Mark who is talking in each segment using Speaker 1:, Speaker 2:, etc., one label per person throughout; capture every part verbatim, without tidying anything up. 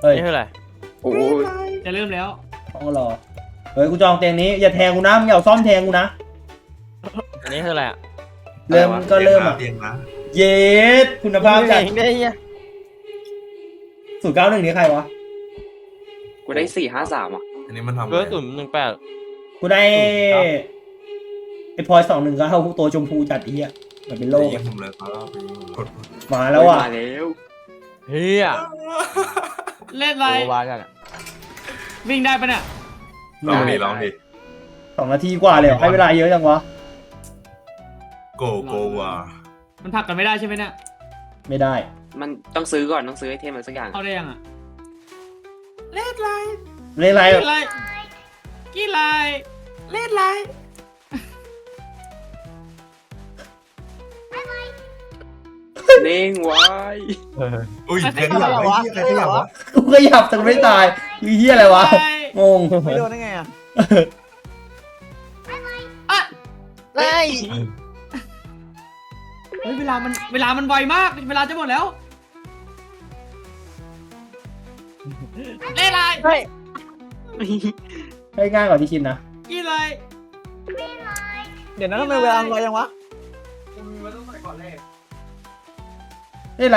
Speaker 1: เฮ้ย
Speaker 2: นี่คืออะไร
Speaker 3: โอ้ย
Speaker 4: จะเริ่มแล้ว
Speaker 1: ต้องรอเฮ้ยกูจองเตียงนี้อย่าแทงกูนะมึงอย่าซ่อมแทงกูนะ
Speaker 2: อันนี้คืออะไรอ่ะ
Speaker 1: เริ่มก็เริ่มอ่ะ
Speaker 5: เตียงนะ
Speaker 1: เย็ดคุณภาพจัด
Speaker 2: ได้เนี่ย
Speaker 1: ศูนย์เก้าหนึ่งนี่ใครวะ
Speaker 3: กูได้สี่ห้าสามอ่ะ
Speaker 5: อันนี้มันทำ
Speaker 2: เบอร์ศูนย์หนึ่งแปด
Speaker 1: กูได้ไอ้พลอยสองหนึ่งก็เอาตัวชมพูจัดไอ้เหี้ยเหมือนเป็นโลก
Speaker 5: ยิ
Speaker 1: อะ
Speaker 5: งผมเลยครับไปยิงผมกด
Speaker 1: มาแล้วอ่ะ
Speaker 3: มาแล้ว
Speaker 2: เฮีย
Speaker 4: เล่นอะไร
Speaker 2: โอ้วากันอ่ะ
Speaker 4: วิ่งได้ปะเนี่ย
Speaker 5: ลองดิลองดิ
Speaker 1: สองนาทีกว่าเลยเหรอให้เวลาเยอะจังวะ
Speaker 5: โกโกวา
Speaker 4: มันผลักกันไม่ได้ใช่ไหมเนี่ย
Speaker 1: ไม่ได้
Speaker 3: มันต้องซื้อก่อนต้องซื้อไอเทมอะไรสักอย่าง
Speaker 4: เข้าได้ยังอ่ะเล่นไร
Speaker 1: เล่นอะไร
Speaker 4: กี่ไรกี่ไรเล่นไร
Speaker 3: เด้งไว้
Speaker 5: อุ้ยใครขยับวะใครขยับวะ
Speaker 1: กูก็หยับแต่ไม่ตายอีเหี้ยอะไรวะงง
Speaker 2: ไม่โดนได้ไงอ่ะ
Speaker 4: อ่ะ
Speaker 2: ไล่
Speaker 4: เฮ้ยเวลามันเวลามันไวมากเวลาจะหมดแล้วเล่นไร
Speaker 2: เฮ้ย
Speaker 1: ให้ง่ายกว่าที่คิดนะ
Speaker 4: กี่ไร
Speaker 2: เดี๋ยวนั้นทำไมเวลาไวยังวะ
Speaker 1: เล่นอะไร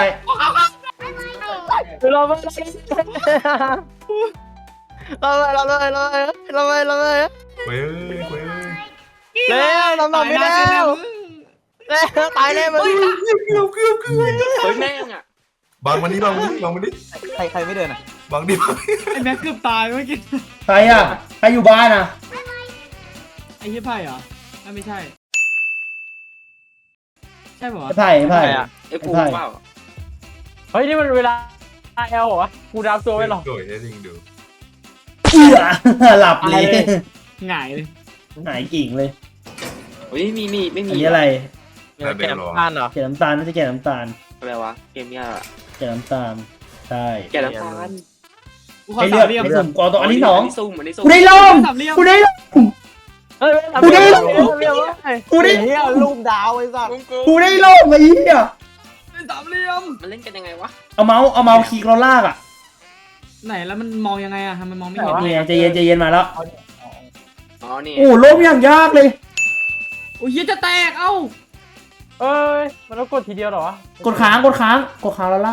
Speaker 2: เราไปเราไปเราไปเราไปเราไปเราไป
Speaker 5: เว้ยเว้ย
Speaker 2: เร็วเราหลับไม่แล้วเร็วตายแน่มึง
Speaker 5: เกือบเกือบเกือบ
Speaker 3: เฮ้ยแม่งอ่ะ
Speaker 5: บางวันนี้บางวันนี้บางวันนี้
Speaker 2: ใครใครไม่เดินอ่ะ
Speaker 5: บางดีบาง
Speaker 4: ไอ้แม็กเกือบตายเมื่อกี้
Speaker 1: ใครอ่ะใครอยู่บ้านอ่ะ
Speaker 4: ไอ้เหี้ยไพ่เหรออ่ะไม่ใช่ ใช่ป่ะ
Speaker 1: ไอ้ไผ่ไอ้ไผ่
Speaker 3: ไอ้ปูเปล่า
Speaker 2: เฮ้ยนี่มันเวลาเอลเหรอวะกูดาวตัวไว้หรอ
Speaker 5: โดยได้ลิงดู
Speaker 1: เอื้อหลับเลย
Speaker 4: หงายเลย
Speaker 1: หายกิ่งเลย
Speaker 3: เฮ้ยมีมีไม่มี
Speaker 1: อันนี้อะไร
Speaker 2: แกมพานเหรอ
Speaker 1: แกะน้ำตาลน่าจะแกะน้ำตาล
Speaker 3: อะไรวะเกมเนี้ย
Speaker 1: แกะน้ำตาลใช่
Speaker 3: แกะน้ำตาล
Speaker 4: กูขอ
Speaker 1: ให้
Speaker 4: สา
Speaker 1: เลือก
Speaker 4: มเหลี่ยม
Speaker 1: ให้สุ่มกอตัวอันที่สอง
Speaker 3: นนี้ซุ่มอันนี้ซุ่ม
Speaker 1: กูได้ล่ม
Speaker 4: สามเหลี่ยม
Speaker 1: กูได้ล่ม
Speaker 2: เฮ้ย
Speaker 1: กูได้
Speaker 2: กูได้เฮียรูปดาวไอ้สัส
Speaker 1: กูได้ล่มไอ้เหี้ย
Speaker 4: สามเหลี่ยม
Speaker 3: มันเล่นกันยังไงวะ
Speaker 1: เอาเมาส์เอาเมาส์คลิกเราลากอ่ะ
Speaker 4: ไหนแล้วมันมองยังไงอะทำไมมองไม่เห็น
Speaker 1: นี่ไงใจเย็นใจเย็นมาแล้ว
Speaker 3: อ๋อนี่
Speaker 1: โอ้ล่มอย่างยากเลย
Speaker 4: โอ้ยจะแตกเอ้า
Speaker 2: เอ้ยมันต้องกดทีเดียวเหรอวะ
Speaker 1: กดค้างกดค้างกดค้างแล้วลาก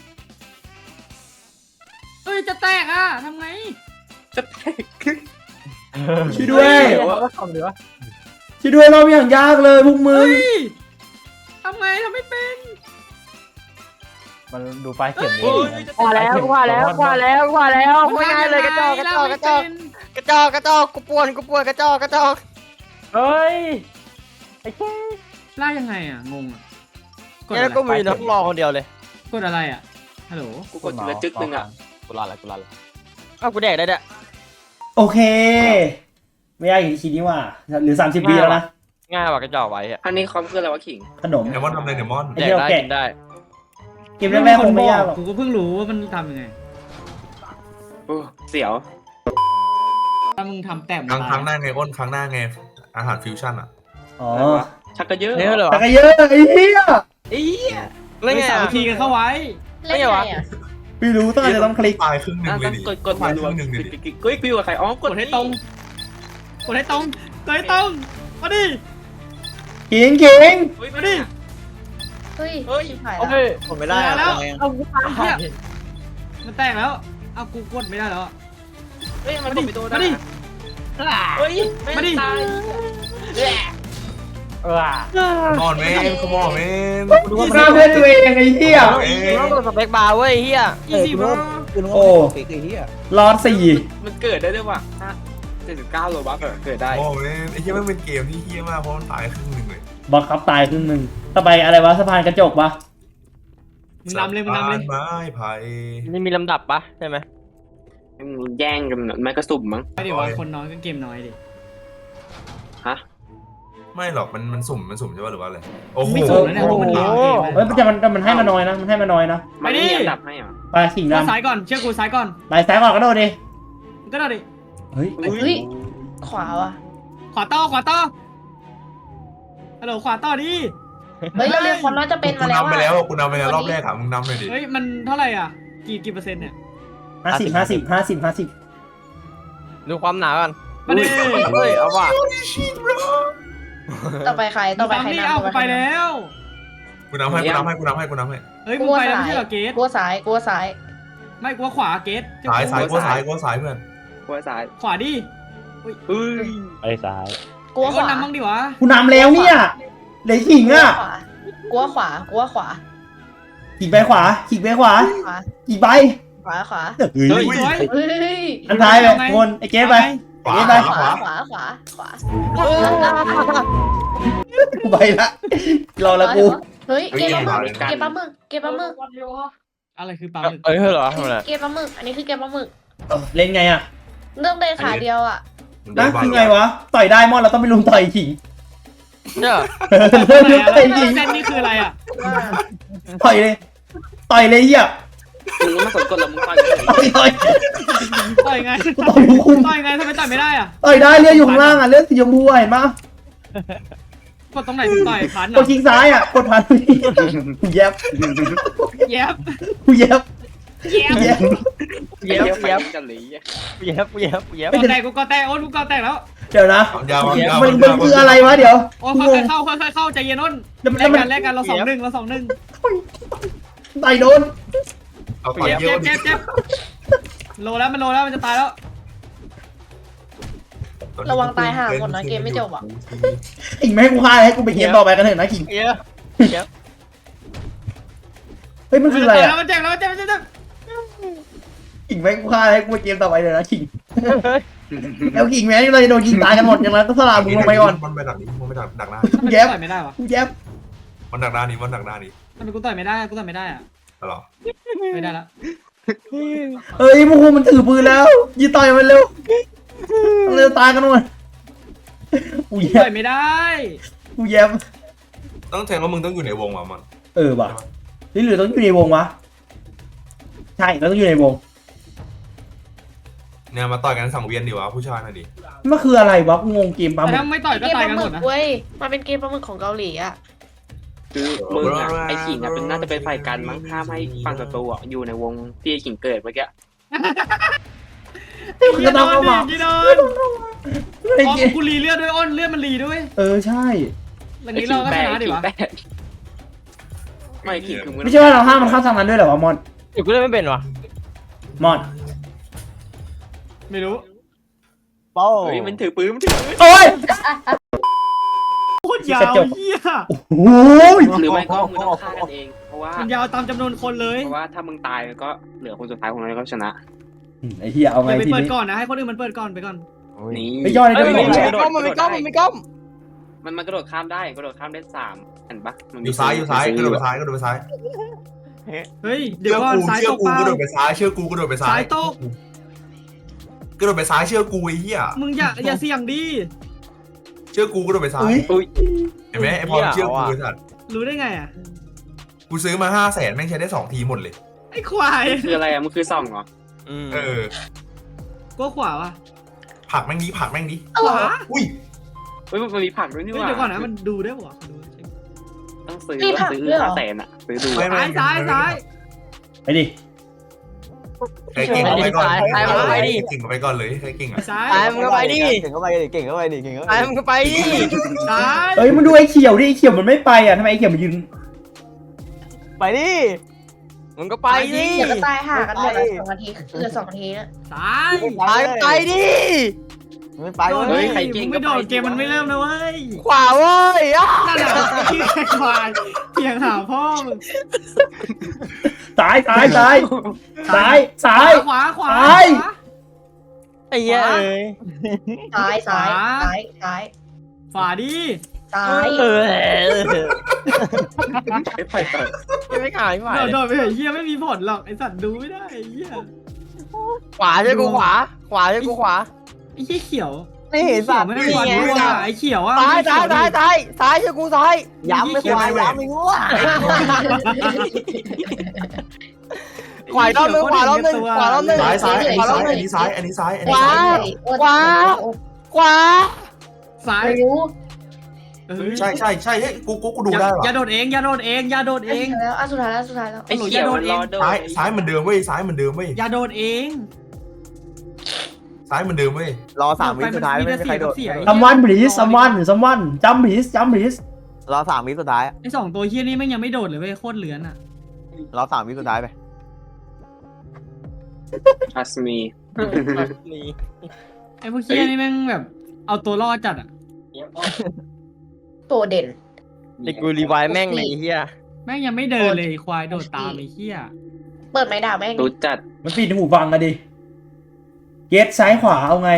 Speaker 4: เอ้ยจะแตกอะทำไง
Speaker 3: จะแตก
Speaker 1: ช่วยด้วย
Speaker 2: ก็ทำดีวะ
Speaker 1: ช่วยด้วยล่มอย่างยากเลยพวกมึง
Speaker 4: เฮ้ยทำไงทำไม่เป็น
Speaker 2: มันดูปลายเข็ม
Speaker 3: เฮ้ย
Speaker 2: ว่าแล้วว่าแล้วว่าแล้วว่าแล้วว่าง่ายเลยกระจอกกระจอกกระจอกกระจอกกระจอกกูปวนกูปวนกระจอกกระจอกเฮ้ยไอ้แค่
Speaker 4: ล่ากยังไงอะงงอะกด
Speaker 2: เนี่ย
Speaker 4: อะไร
Speaker 2: ก็มีน้องรอคนเดียวเลย
Speaker 4: กดอะไรอะฮัลโหล
Speaker 3: กูกดทีละจึ๊กนึงอ่ะ
Speaker 2: กูรอดแล้วกูรอดแล้วอ้าวกูแดกได้เนี่ย
Speaker 1: โอเค ไม่ยากอย่างที่คิดนี่ว่าหรือสามสิบวิแล้วนะ
Speaker 2: ง่ายกว่ากระจอกไว้อะ
Speaker 3: อันนี้คอมคืออะไรวะขิง
Speaker 1: ขนม
Speaker 5: เดมอนทำอะไรเดมอน
Speaker 1: ไอ้
Speaker 2: แด
Speaker 1: เหี้
Speaker 2: ก
Speaker 1: ย
Speaker 2: ได้
Speaker 1: แกะ
Speaker 2: กินได้
Speaker 1: เกมแรกๆคงไม่ยากหรอก
Speaker 4: กูก็เพิ่งรู้ว่ามันทำยังไง
Speaker 3: โอ้เสียว
Speaker 4: ถ้ามึงทำแต้ม
Speaker 5: ครั้งครั้งหน้าไงอ้นครั้งหน้าไงอาหารฟิวชั่นอ่ะ
Speaker 1: อ๋อ
Speaker 3: อะไรวะชักกระเยอะ
Speaker 2: นี่เหรอ
Speaker 1: แต่ก็เยอะไอ้เหี้ย
Speaker 3: ไอ้เหี้ย
Speaker 2: เล่นไง
Speaker 4: สามัคคีกันเข้าไว้
Speaker 2: เล่นไงวะ
Speaker 1: ไม่รู้ต้องอาจจะต้องคลิก
Speaker 5: ตายครึ่งหนึ่ง
Speaker 3: อ่ะ
Speaker 5: เลย
Speaker 3: ต้อง
Speaker 5: ดิ
Speaker 3: กดกด
Speaker 5: ตาย
Speaker 3: รั
Speaker 5: คว รึ่งหนึ่งเลย
Speaker 3: ๆ
Speaker 5: ดิ
Speaker 3: กิ๊กกิ๊กกิ๊กกับใครอ๋อก
Speaker 4: กดให้ตรง กดให้ตรงกดให้ตรงมาดิ
Speaker 1: ขิงขิง
Speaker 3: เฮ้ย
Speaker 4: มา
Speaker 3: มา
Speaker 4: ดิ
Speaker 3: ดิ
Speaker 6: เฮ้ย
Speaker 3: เฮ้ย
Speaker 2: โอเคผมไม่ได้
Speaker 4: มาแล้ว
Speaker 2: เอากูตาย
Speaker 4: มันแตกแล้ว เอากูกดไม่ได้แล้วอะ
Speaker 3: เฮ้ยมัน
Speaker 4: มาดิ
Speaker 3: กดไปโดน
Speaker 4: มาดิ
Speaker 3: เฮ้ยแง
Speaker 4: มาดิ
Speaker 3: ตาย
Speaker 2: เออ
Speaker 5: มอนแมนขมอนแมน
Speaker 1: อีซ่าเพื่อนตัวเองไอ้เหี้ย
Speaker 2: ต้องกดสเปคบาร์เว้ยเฮีย
Speaker 4: อีซี่บร
Speaker 1: โอ้รอดสี่
Speaker 3: มันเกิดได้ด้วยว่ะเจ็ดสิบเก้าโลบัคเกิดได้
Speaker 5: โอ้แมนไอ้เหี้ยมันเป็นเกมที่เหี้ยมากเพราะมันตายครึ่งหนึ่งเลย
Speaker 1: บังคับตายครึ่งหนึ่งต่อไปอะไรวะสะพานกระจกปะ
Speaker 4: มึงนำเลยมึงนำเลย
Speaker 5: ไม้ไผ่
Speaker 2: นี่มีลำดับปะใช่ไหม
Speaker 3: มันแย่งกันไม่กระสุ่มมั้ง
Speaker 4: ไม่เดี๋ยวว่าคนน้อยก็เกมน้อยดิ
Speaker 3: ฮะ
Speaker 5: ไม่หรอกมันมันสุ่มมันสุ่มใช่ป่ะหรือว่าอะไรโอ้โห
Speaker 4: ไม่สุ่มนะเนี่ยเพราะมันหาเกม
Speaker 1: เฮ้ยแต่มันแต่มันให้มาน้อยนะมันให้มาน้อยนะ
Speaker 3: มันไม่มีอันดับให้เหรอ
Speaker 1: ไปขิง
Speaker 4: ก็
Speaker 1: ดำ
Speaker 4: ซ้ายก่อน เชื่อกูซ้ายก่อน
Speaker 1: ไปซ้ายก่อนก็โดนดิ
Speaker 4: มึงก็ได้ดิ
Speaker 1: เฮ้ย
Speaker 6: เฮ้ย ขวาว่ะ
Speaker 4: ขวาต่อขวาต่อฮัลโหลขวาต่อดิ
Speaker 6: เฮ้ยเราเรียกคนน้อยจะเป็น
Speaker 5: กู
Speaker 6: มาแล้ว
Speaker 5: นำไป
Speaker 6: อ่ะ
Speaker 5: แล้วกูนำไปแล้วรอบแรกอะมึงนำเลยดิ
Speaker 4: เฮ้ยมันเท่าไหร่อ่ะ กี่กี่เปอร์เซ็นต์เนี่ย
Speaker 1: ห้าสิบห้าสิบห้าสิบห้าสิบ
Speaker 2: ดูความหนากัน
Speaker 4: มาดิ
Speaker 2: เฮ้ยเอาว่ะ
Speaker 6: ต่อไปใครต่อไป
Speaker 4: ตาม
Speaker 6: ใคร
Speaker 4: นี่
Speaker 6: นำ
Speaker 4: เอา
Speaker 6: ต่อ
Speaker 4: ไป
Speaker 6: ใครน
Speaker 4: แล้ว
Speaker 5: กูน้ำให้กูน้ำให้กูน้ำให้กูน้ำให้
Speaker 4: เฮ้ย
Speaker 6: ำ
Speaker 4: มึ
Speaker 6: ก
Speaker 4: ง
Speaker 6: ลัว
Speaker 4: ไปแล้ว
Speaker 6: ซ้า
Speaker 4: ไม่
Speaker 6: ย
Speaker 4: ใช่เหรอเกต
Speaker 6: กลัวซ้ายกลัวซ้าย
Speaker 4: ไม่กลัวขวาเกต
Speaker 5: ซ้ายซ้ายกูซ้ายกูซ้ายเพื่อน
Speaker 3: หัวซ้าย
Speaker 4: ขวาดิ
Speaker 3: เฮ้ย
Speaker 2: ไอ้ซ้าย
Speaker 6: กลัว
Speaker 4: ไอ้
Speaker 6: ข
Speaker 4: อ้น
Speaker 6: วา
Speaker 4: นำบ้างดิวะ
Speaker 1: กูนำแล้วเนี่ยเหลือขิงอ่ะ
Speaker 6: กลัวขวากลัวขวา
Speaker 1: ขิงไปขวาขิงไปขวา
Speaker 6: ขวา
Speaker 1: ขิงไป
Speaker 6: ขวาขวา
Speaker 1: เฮ้ย
Speaker 4: เฮ้ยสวย
Speaker 6: เฮ้ย
Speaker 1: อันท้ายไปคนไอ้เจ๊ไป
Speaker 5: ขวา
Speaker 1: เจ๊ไป
Speaker 5: ขวา
Speaker 6: ขวาขวาขวา
Speaker 1: กูไปละรอแล้วกู
Speaker 6: เฮ้ยเกมปลาหมึกเกมปลาหมึกเกมปลาหมึก
Speaker 4: อะไรคือปลาหมึก
Speaker 2: เอ้ยเหรอทำไม
Speaker 6: เกมปลาหมึกอันนี้คือเกมปลาหมึก
Speaker 1: เออเล่นไงอ่ะ
Speaker 6: เรื่องเดินขาเดียวอ่ะ
Speaker 1: นะคือไงวะต่อยได้มอนเราต้องไปลุมต่อยขิง
Speaker 2: เนี่ย
Speaker 1: เริ่ม
Speaker 4: ไหน
Speaker 1: ลุม
Speaker 4: อะ
Speaker 1: ต่อย
Speaker 4: แล้ว
Speaker 1: ขิง
Speaker 4: เส้นนี่คืออะไรอ่ะ
Speaker 1: ต่อยเลยต่อยเลยเหี้ย
Speaker 3: มึงไม่สนกดหรอมึงฟัง
Speaker 1: ต่อยต่อย
Speaker 4: ต่อยไง
Speaker 1: ต่อยคุม
Speaker 4: ต่อยไงทำไมต่อยไม่ได้อ่ะ
Speaker 1: ต่อยได้เลือดอยู่ข้างล่างอ่ะเลือดสีชมพูเห็นปะ
Speaker 4: กดตรงไหนถึงต่อยพัน
Speaker 1: กดคลิกซ้ายอ่ะกดพันกูแยบ
Speaker 4: แย็บ
Speaker 1: กูแยบ
Speaker 4: แย็บ
Speaker 1: กูแยบ
Speaker 3: เย็บเย็บกันเลย
Speaker 2: เย็บเย็บเย็บ
Speaker 4: กอแตกกูกอแตกโอ้นกูกอแตกแล้ว
Speaker 1: เดี๋ยวนะ
Speaker 5: ความยาวความยาว
Speaker 1: มันมันคืออะไรวะเดี๋ยว
Speaker 4: โอ้
Speaker 1: กู
Speaker 4: ค่
Speaker 1: ง
Speaker 4: อง ยๆเข้าค่อยๆเข้าใจเย็นอ้น
Speaker 1: แล้ว
Speaker 4: แล
Speaker 1: แล้ว
Speaker 4: ก
Speaker 1: มัน
Speaker 4: กันแลกกันเราสองหนึ่งเราสองหนึ่ง
Speaker 1: ต่อยโดน
Speaker 5: เอาต่อย
Speaker 4: เจ็บ
Speaker 5: เย
Speaker 4: เจ็
Speaker 5: อะ
Speaker 4: บเจ็บเจ็บโลแล้วมันโลแล้วมันจะตายแล้ว
Speaker 6: ระวังตายห่าหมดนะเกมไม่จบอ่ะ
Speaker 1: ขิงไม่ให้กูฆ่าให้กูไปเกมต่อไปกันเถอะนะขิง
Speaker 2: เย็บเย็บ
Speaker 1: เฮ้ยมันคืออะไร
Speaker 4: แล้
Speaker 1: อ่ะ
Speaker 4: วมันเจ็บแล้วมันเจ็บมันเจ็บ
Speaker 1: ขิงไม่ให้กูฆ่าให้กูไปเกมต่อไปเลยนะขิงแล้วขิงแม่งเราจะโดนยิงตายกันหมดอย่างนั้นก็สลามึงลงไปก่อน
Speaker 5: มันไปดักนี้มันไปดักดักหน้า
Speaker 4: ทำไมกูต่อยไม่ได้วะ
Speaker 1: กูแยบ
Speaker 5: มันดักหน้านี้มันดักหน้านี้
Speaker 4: ทำไมกูต่อยไม่ได้กูต่อยไม่ได้อะ
Speaker 5: หรอ
Speaker 4: ไม่ได้ละ
Speaker 1: เฮ้ยมูฮูมันถือปืนแล้วยิงต่อยมันเร็วเร็วตายกันหมดกูแย
Speaker 4: ต่
Speaker 1: บ
Speaker 4: อยไม่ได้
Speaker 1: กูแยบ
Speaker 5: ต้องแทงว่ามึงต้องอยู่ในวงว่ะมัน
Speaker 1: เออว่ะหรือหรือต้องอยู่ในวงวะใช่เราต้องอยู่ในวง
Speaker 5: เนี่ยมาต่อยกันสังเวียนดีวะผู้ชายน่ะดิ
Speaker 1: มันคืออะไรวะกูงงเกมปั๊ม
Speaker 4: แต่ถ้าไม่ต่อยก็
Speaker 6: เกม
Speaker 4: ตา
Speaker 6: ป
Speaker 4: ย
Speaker 6: ลา
Speaker 4: กัน
Speaker 6: ห
Speaker 4: ห
Speaker 6: มึ
Speaker 4: ม
Speaker 6: ก
Speaker 4: ดนะ
Speaker 6: เว้ยมันเป็นเกมปลาหมึกของเกาหลีอ่ะ
Speaker 3: คือมึงอะไอ้ขิงอะเป็นน่าจะเป็นฝ่ายกันมั้งห้ามให้ฝั่งศัตรูอะอยู่ในวงที่ไอ้ขิงเกิดเมื่อกี้
Speaker 1: มันก็ต้องเข้ามา
Speaker 4: กี่โดน
Speaker 1: ไอ้
Speaker 4: อ๋อ
Speaker 1: เกม
Speaker 4: กูรีเลือดด้วยอ้นเลือดมันรีด้วย
Speaker 1: เออใช่
Speaker 4: อย่างนี้เราก็ชนะดิวะ
Speaker 3: ไม่ขิงคือมึง
Speaker 1: ไม่ใช่ว่าเราห้ามมันเข้าทางนั้นด้วยเหรอวะมอน
Speaker 2: เดี๋ยวกูเล่นไม่เป็นวะ
Speaker 1: มอน
Speaker 4: ไม่รู้
Speaker 2: เป้า
Speaker 3: เฮ้ยมันถือปืนมันถือปืน
Speaker 1: โอ้ย
Speaker 4: โคตรยาวเหี้ย
Speaker 1: โอ้ย
Speaker 3: หรือไม่ก็มึงต้องฆ่ากันเองเพราะว่า
Speaker 4: มันยาวตามจำนวนคนเลย
Speaker 3: เพราะว่าถ้ามึงตายก็เหลือคนสุดท้ายของเราก็ชนะ
Speaker 1: ไอ้เหี้ยเอา
Speaker 4: อ
Speaker 1: ไง
Speaker 4: ย่าไป
Speaker 1: ที
Speaker 4: เปิด
Speaker 1: นี้
Speaker 4: ก่อนนะให้คนอื่นมันเปิดก่อนไปก่อน
Speaker 3: นี่
Speaker 1: ไปย่อใน
Speaker 2: เฮ้ย
Speaker 1: ตัว
Speaker 2: มัน
Speaker 1: ก่อน
Speaker 2: มีกล้องมันมีกล้องมันมีกล้อง
Speaker 3: มันมันกระโดดข้ามได้กระโดดข้ามได้สามเห็นปะมัน
Speaker 5: อ
Speaker 3: มี
Speaker 5: ยู่ซ้ายอยู่ซ้ายกระโดดไป
Speaker 3: ซื้
Speaker 5: ซ้ายกระโดดไปซ้าย
Speaker 4: เฮ้ยเดี๋ย
Speaker 5: เชื่
Speaker 4: ว
Speaker 5: อ
Speaker 4: ก่อน
Speaker 5: กู
Speaker 4: สาย
Speaker 5: เชื่
Speaker 4: ต
Speaker 5: อก กู
Speaker 4: เปล่าก
Speaker 5: ระโดดไปซ้ายเชื่อกูกระโดดไปซ้าย
Speaker 4: สายตก
Speaker 5: กระโดดไปซ้ายเชื่อกูไอ้เหี้ย
Speaker 4: มึงอย่าอย่าเสี่ยงดิ
Speaker 5: เชื่อกูกระโดดไปซ้าย
Speaker 3: อุ้ย
Speaker 5: เห็นไหมไอ้พอเชื่อกูไอ้สัตว์
Speaker 4: รู้ได้ไงอ่ะ
Speaker 5: กูซื้อมาห้าแสนแม่งใช้ได้สองทีหมดเลย
Speaker 4: ไอ้ควาย
Speaker 3: คืออะไรอะมันคือส่องเหรอ
Speaker 5: เออ
Speaker 4: ก็ขวาวะ
Speaker 5: ผักแม่งดีผักแม่งดี
Speaker 4: ขวา
Speaker 5: อุ้ย
Speaker 3: เฮ้ยมันมีผักด้วยนี่
Speaker 4: เฮ้ย
Speaker 3: หว่า
Speaker 4: เดี๋ยวก่อนนะมันดูได้ปะวะดู
Speaker 3: ต้องซื้อ
Speaker 6: มีผัก
Speaker 3: ซื้อ
Speaker 6: ด้วยเหรอ
Speaker 3: ห้าแสนอะซื้อดู
Speaker 5: ไม่ไม่
Speaker 4: ซ้ายซ้ายซ้าย
Speaker 1: ไปดิ
Speaker 5: ใครเก่งเอาไปก่อน
Speaker 2: ซ้ายซ้าย
Speaker 5: เก่งเอาไปก่อนเลยใครเก่งอ่ะ
Speaker 4: ซ้าย
Speaker 2: ตายมึงก็ไปดิ
Speaker 7: เก่งเข้าไปดิเก่งเข้าไปดิเก่งเข้าไป
Speaker 2: ตาย
Speaker 7: ดิ
Speaker 2: มึงก็ไปดิ
Speaker 4: ซ้าย
Speaker 1: เอ้ยมึงดูไอ้เขียวดิไอ้เขียวมันไม่ไปอ่ะทำไมไอ้เขียวมันยืน
Speaker 7: ไปดิ
Speaker 2: มึงก็ไปดิ
Speaker 6: เดี๋ยวก็ตายห่ากันหมดอ่ะสองนาทีเหลือสองนาทีนะ
Speaker 4: ซ้าย
Speaker 2: ตายก็ไปดิ
Speaker 7: ไม่ไป
Speaker 4: โดน
Speaker 7: เว้
Speaker 3: เฮ้
Speaker 7: ย
Speaker 3: ยใครเก่ง
Speaker 4: มึงไม่โดนเกมมันไม่เริ่มนะเว้ย
Speaker 2: ขวาเว้ยอ่ะ
Speaker 4: นั่นแหละที่ไอ้ควายเพียงหาพ่อมึง
Speaker 1: ซ้ายซ้ายซ้ายซ้ายซ้าย
Speaker 4: ขวาขวา
Speaker 1: ซ้าย
Speaker 4: ขวา
Speaker 2: ไอ้เหี้ยเอ้ย
Speaker 6: ซ้ายซ้ายซ้ายซ้าย
Speaker 4: ขวาดิ
Speaker 6: ซ้าย
Speaker 2: เออ
Speaker 3: ไอ้ไผ่เปิด
Speaker 2: ยังไม่ขายไม่ไหว
Speaker 4: โดดโดดไปเถอะเฮียไม่มีผลหรอกไอสัตว์ดูไม่ได้ไอ้เฮีย
Speaker 2: ขวาใช่กูขวา ขวาใช่กูขวา
Speaker 4: ไอ้เฮียเขียว
Speaker 7: นี่เห็น
Speaker 4: เขีย
Speaker 7: สั
Speaker 4: ว
Speaker 7: ตว์
Speaker 4: ไม่ได้มีวันรู้อ่ะไอ้เขียวอ่ะ
Speaker 2: ซ้ายซ้ายซ้ายซ้ายซ้ายใช่กูซ้าย
Speaker 7: ย้ำไม่ควายย้ำไม่งัว
Speaker 2: ขวารอบนึงขวารอบนึงขวารอบนึง
Speaker 5: ซ้ายซ้ายอัน
Speaker 2: ขวารอบ
Speaker 5: นี้
Speaker 2: นึง
Speaker 5: ซ้ายอันนี้ซ้ายอันนี้ซ้ายอันนี้
Speaker 2: ขวา
Speaker 5: ซ้าย
Speaker 2: ขวา ขวา
Speaker 4: ซ้าย
Speaker 6: ไม่รู้
Speaker 4: ไเออ
Speaker 5: ใช่ใช่ใช่เฮ้ยกูกูกูดูได้
Speaker 4: อย่า
Speaker 5: ว่ะ
Speaker 4: โดดเองอย่าโดดเองอย่าโดดเอง
Speaker 6: แล้วอ่ะสุดท้ายแล้วสุดท้ายแล้ว
Speaker 3: ไอ้เขียวมันรอโดน
Speaker 5: ซ้ายซ้ายเหมือนเดิมเว้ยซ้ายเหมือนเดิมเว้ย
Speaker 4: อย่าโดดเอง
Speaker 5: ซ้ายเหมือนเดิมเว้ย
Speaker 7: รอสามวิสุดท้ายไม่มีใครโดด
Speaker 1: ซัมวันบรีสซัมวันซัมวันจัมบรีสจัมบรีส
Speaker 7: รอสามวิสุดท้าย
Speaker 4: ไอ้สองตัวเฮี้ยนี่แม่งยังไม่โดดเลยเว้ยโคตรเหลือนอ่ะ
Speaker 7: รอสามวิสุดท้ายไป
Speaker 3: ทัสมี
Speaker 4: ไอ้พวกเฮี้ยนี่แม่งแบบเอาตัวรอดจัดอ่ะ
Speaker 6: ตัวเด่น
Speaker 2: ไอ้กูรีไวล์แม่งเลยไอ้เฮีย
Speaker 4: แม่งยังไม่เดินเลยไอ้ควายโดดตามไอ้เฮี้ย
Speaker 6: เปิดไม้ด่าแม่ง
Speaker 3: รู้จัด
Speaker 1: มันปิดหูฟังอะดิเกตซ้ายขวาเอาไง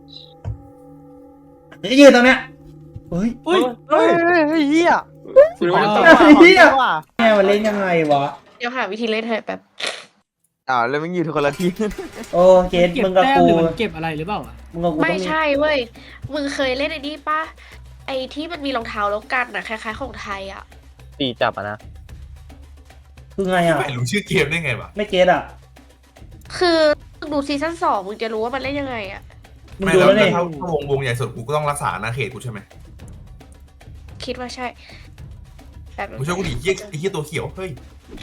Speaker 1: จะยืนตรงเนี้ยเฮ้ย
Speaker 4: อุ้ย
Speaker 2: เฮ้ยเฮ้ยเฮีย
Speaker 3: คุณรู้ว่า
Speaker 1: ไอ้เหี้ยแม่มันเล่นยังไงวะ
Speaker 6: เดี๋ยวหาวิธีเล่นให้แป๊บ
Speaker 7: อ้าวแล้วมึงอยู่ทุกคนละที
Speaker 1: โอ้เกต
Speaker 4: เก็บ
Speaker 1: มึงกับ
Speaker 4: แต้ม
Speaker 1: กู
Speaker 4: หรือมันเก็บอะไรหรือเปล่าอ่ะ
Speaker 1: มึงกับกู
Speaker 6: ไม่
Speaker 1: ต้องมี
Speaker 6: ใช่เว้ยมึงเคยเล่นไอ้นี่ปะไอ้ที่มันมีรองเท้าแล้วกันน่ะคล้ายๆของไทยอ่ะ
Speaker 2: ตีจับอ่ะนะ
Speaker 1: คือไงอ่ะ
Speaker 5: ไม่รู้ชื่อเกมได้ไงวะ
Speaker 1: ไม่เกตอ่ะ
Speaker 6: คือดูซีซั่นสองมึงจะรู้ว่ามันเล่นยังไงอ่ะ
Speaker 1: มึง
Speaker 5: ไม่
Speaker 1: ดู
Speaker 5: แล้ว
Speaker 1: แล้ว
Speaker 5: แล้
Speaker 1: เนี่
Speaker 5: วย ถ้าถ้าวงวงใหญ่สุดกูก็ต้องรักษาอาณาเขตกูใช่ไหม
Speaker 6: คิดว่าใช่แบบ
Speaker 5: มึงช่วยกูดิเหี้ยไอ้เหี้ยตัวเขียวเฮ้ย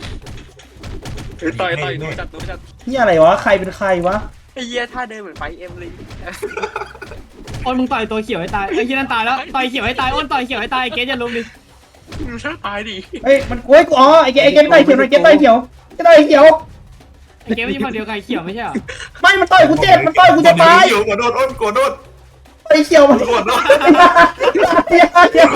Speaker 3: ต่อยต่อยรู้จัดรู้จัด
Speaker 1: เฮียอะไรวะใครเป็นใครวะ
Speaker 3: ไอ้เหี้ยท่าเดินเหมือนไฟเอ็มเลย
Speaker 4: อ้นมึงต่อยตัวเขียวให้ตายไอ้เฮี้ยนั่นตายแล้วต่อยเขียวให้ตายอ้นต่อยเขียวให้ตายเกสอย่าลุมดิ
Speaker 3: มึงช่วยตายดิ
Speaker 1: เฮ้ยมันโอ้ยกูอ๋อไอ้เกตไอ้เกตต่อยเขียวไอ้เกตต่อยเขียวเกตต่อยเขียว
Speaker 4: ไอ้เกสมันอยู่ฝั่งเดียวกับไอ้เขียวไม่ใช่เหรอ
Speaker 1: ไม่มันต่อยกูเจ็บมันต่อยกูจะตาย
Speaker 5: เขียวกดโดนอ้นกดโดน
Speaker 1: ไอ้เขียวมัน
Speaker 5: กดโดน
Speaker 1: อย่าอย่า